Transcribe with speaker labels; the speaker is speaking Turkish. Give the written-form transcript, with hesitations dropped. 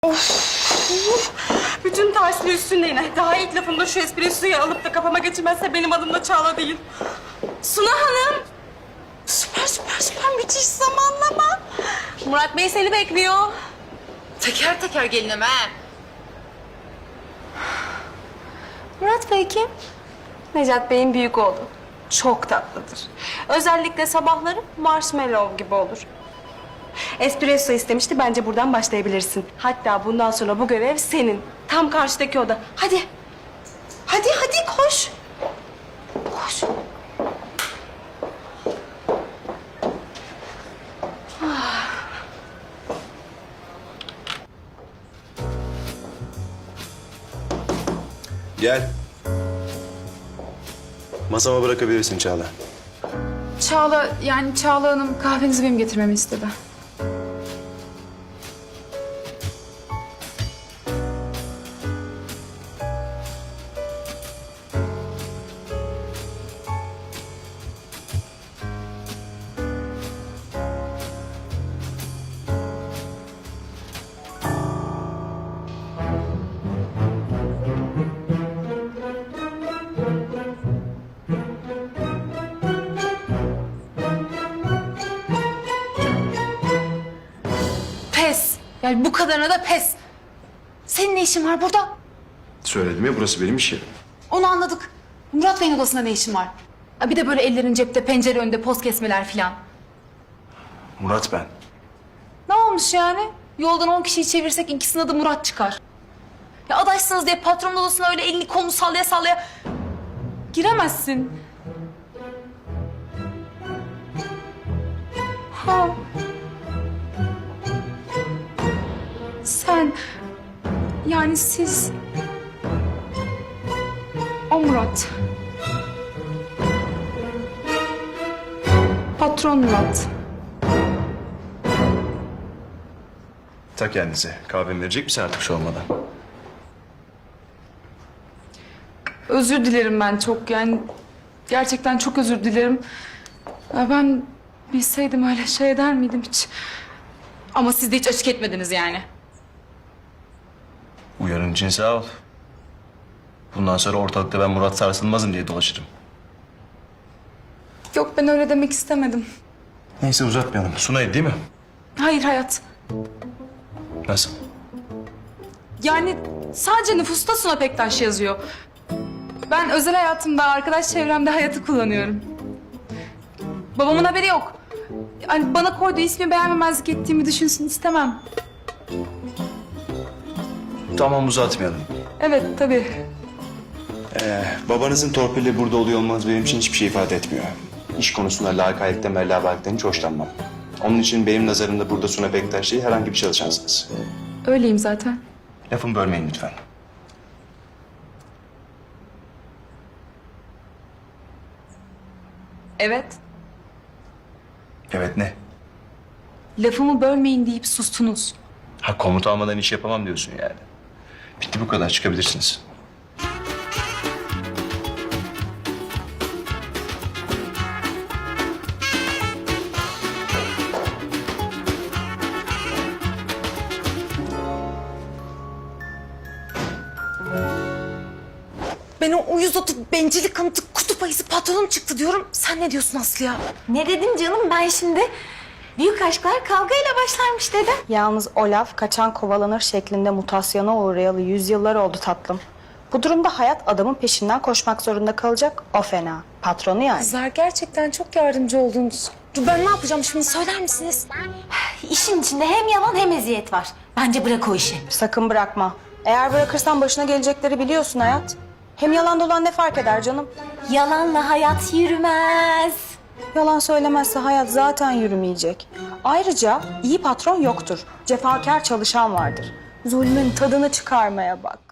Speaker 1: Of! Bütün tersli üstünde yine. Daha ilk lafımda şu espressoyu alıp da kafama geçirmezse benim adım da Çağla değil. Suna Hanım! Süper müthiş zamanlama. Murat Bey seni bekliyor.
Speaker 2: Teker teker gelinim ha.
Speaker 1: Murat Bey kim? Necat Bey'in büyük oğlu. Çok tatlıdır. Özellikle sabahları marshmallow gibi olur. Espresso istemişti. Bence buradan başlayabilirsin. Hatta bundan sonra bu görev senin. Tam karşıdaki oda. Hadi. Hadi koş. Koş.
Speaker 3: Gel. Masama bırakabilirsin Çağla.
Speaker 2: Çağla Hanım kahvenizi benim getirmemi istedi. Pes. Yani bu kadarına da pes. Senin ne işin var burada?
Speaker 3: Söyledim ya, burası benim iş yerim.
Speaker 2: Onu anladık. Murat Bey'in odasında ne işin var? Ha, bir de böyle ellerin cepte, pencere önünde poz kesmeler filan.
Speaker 3: Murat ben.
Speaker 2: Ne olmuş yani? Yoldan 10 kişiyi çevirsek ikisinin adı Murat çıkar. Ya adaşsınız diye patronun odasına öyle elini kolunu sallaya sallaya giremezsin. Ha. Sen, yani siz... O Murat. Patron Murat.
Speaker 3: Ta kendisi. Kahvemi verecek misin artık şu olmadan?
Speaker 2: Özür dilerim ben çok yani. Gerçekten çok özür dilerim. Ya ben bilseydim öyle şey eder miydim hiç? Ama siz de hiç açık etmediniz yani.
Speaker 3: Uyarın için sağ ol. Bundan sonra ortalıkta ben Murat Sarsılmaz'ım diye dolaşırım.
Speaker 2: Yok ben öyle demek istemedim.
Speaker 3: Neyse uzatmayalım. Sunay değil mi?
Speaker 2: Hayır hayat.
Speaker 3: Nasıl?
Speaker 2: Yani sadece nüfusta Suna Pektaş yazıyor. Ben özel hayatımda, arkadaş çevremde hayatı kullanıyorum. Babamın haberi yok. Yani bana koyduğu ismi beğenmemezlik ettiğimi düşünsün istemem.
Speaker 3: Tamam uzatmayalım.
Speaker 2: Evet tabii.
Speaker 3: Babanızın torpili burada oluyor olmanız benim için hiçbir şey ifade etmiyor. İş konusunda lakaylıktan, merlabalıktan hiç hoşlanmam. Onun için benim nazarımda burada Suna Bektaş değil, herhangi bir çalışansınız.
Speaker 2: Öyleyim zaten.
Speaker 3: Lafımı bölmeyin lütfen.
Speaker 2: Evet.
Speaker 3: Evet ne?
Speaker 2: Lafımı bölmeyin deyip sustunuz.
Speaker 3: Ha, komut almadan iş yapamam diyorsun yani. Bitti, bu kadar, çıkabilirsiniz.
Speaker 2: Ben o uyuz otu, bencillik kanıtı, kutup ayısı patronum çıktı diyorum. Sen ne diyorsun Aslı ya?
Speaker 4: Ne dedim canım ben şimdi? Büyük aşklar kavgayla başlarmış dedim.
Speaker 1: Yalnız o laf kaçan kovalanır şeklinde mutasyona uğrayalı yüzyıllar oldu tatlım. Bu durumda hayat adamın peşinden koşmak zorunda kalacak. O fena. Patronu yani.
Speaker 2: Kızlar gerçekten çok yardımcı oldunuz. Dur ben ne yapacağım şimdi söyler misiniz?
Speaker 4: İşin içinde hem yalan hem eziyet var. Bence bırak o işi.
Speaker 1: Sakın bırakma. Eğer bırakırsan başına gelecekleri biliyorsun hayat. Hem yalan dolan ne fark eder canım?
Speaker 4: Yalanla hayat yürümez.
Speaker 1: Yalan söylemezse hayat zaten yürümeyecek. Ayrıca iyi patron yoktur. Cefakar çalışan vardır. Zulmün tadını çıkarmaya bak.